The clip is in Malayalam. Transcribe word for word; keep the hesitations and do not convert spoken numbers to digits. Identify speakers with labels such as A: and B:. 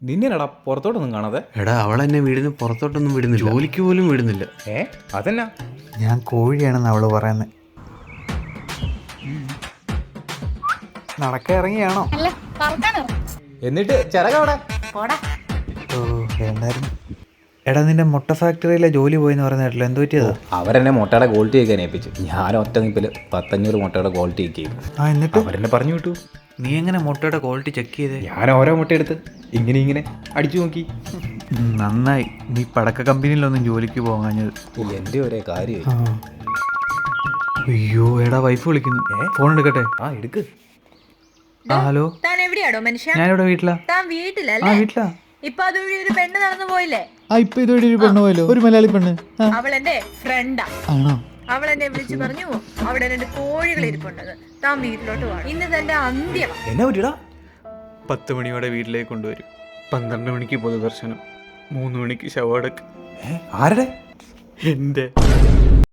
A: നിന്നെടാ പുറത്തോട്ടൊന്നും കാണാതെ.
B: എടാ അവളെന്നെ വീടിന് പുറത്തോട്ടൊന്നും വിടുന്നില്ല, ജോലിക്ക് പോലും വിടുന്നില്ല.
A: ഏ അതെന്നാ?
C: ഞാൻ കോഴിയാണെന്ന് അവള് പറയുന്നത്. നടക്കാൻ ഇറങ്ങിയാണോ?
A: എന്നിട്ട് ചിറകവിടെ?
C: ഓ എന്തായിരുന്നു? എടാ നിന്റെ മുട്ട ഫാക്ടറിയിലെ ജോലി പോയെന്ന് പറയുന്ന കേട്ടില്ല, എന്ത് പറ്റിയതാ?
A: അവരെന്നെ മുട്ടയുടെ ക്വാളിറ്റി ഒക്കെ ഏൽപ്പിച്ചു. ഞാൻ ഒറ്റ നിപ്പിൽ പത്തഞ്ഞൂറ് മുട്ടയുടെ ക്വാളിറ്റി ഒക്കെ ചെയ്തു.
C: ആ എന്നിട്ട്
A: അവരെന്നെ പറഞ്ഞു വിട്ടു.
C: നീ എങ്ങനെ മുട്ടയുടെ ക്വാളിറ്റി ചെക്ക് ചെയ്തേ?
A: ഞാൻ ഓരോ മുട്ട എടുത്ത് ഇങ്ങനെ ഇങ്ങനെ അടിച്ചു നോക്കി.
C: ഉം, നന്നായി നീ പടക്ക കമ്പനിയിലൊന്നും ജോലിക്ക് പോകാഞ്ഞത്.
A: എൻ്റെ ഒരേ കാര്യം.
C: ആ. അയ്യോ എടാ വൈഫ് വിളിക്കുന്നു, ഫോൺ എടുക്കട്ടെ?
A: ആ എടുക്ക്.
C: ആ ഹലോ,
D: താൻ എവിടെയാണോ മനുഷ്യ?
C: ഞാനിവിടെ വീട്ടിലാ.
D: താൻ
C: ആ
D: വീട്ടിലല്ലേ?
C: വീട്ടിലാ.
D: ഇപ്പൊ അതുവഴി ഒരു പെണ്ണ് നടന്നു പോയില്ലേ?
C: ആ ഇപ്പൊ ഇതുവഴി ഒരു പെണ്ണ് പോയല്ലോ, ഒരു മലയാളി പെണ്ണ്. ആ,
D: അവൾ എന്റെ ഫ്രണ്ടാ.
C: ആണോ?
D: അവൾ എന്നെ വിളിച്ചു പറഞ്ഞു അവിടെ രണ്ട് കോഴികൾ ഇരിപ്പുണ്ടെന്ന്. താൻ വീട്ടിലോട്ട് പോകണം, ഇന്ന് തന്റെ അന്ത്യം.
A: എന്നാ പറ്റിയടാ?
C: പത്ത് മണിയോടെ വീട്ടിലേക്ക് കൊണ്ടുവരും. പന്ത്രണ്ട് മണിക്ക് പൊതുദർശനം, മൂന്ന് മണിക്ക് ശവടക്ക്.
A: ആരുടെ?
C: എന്റെ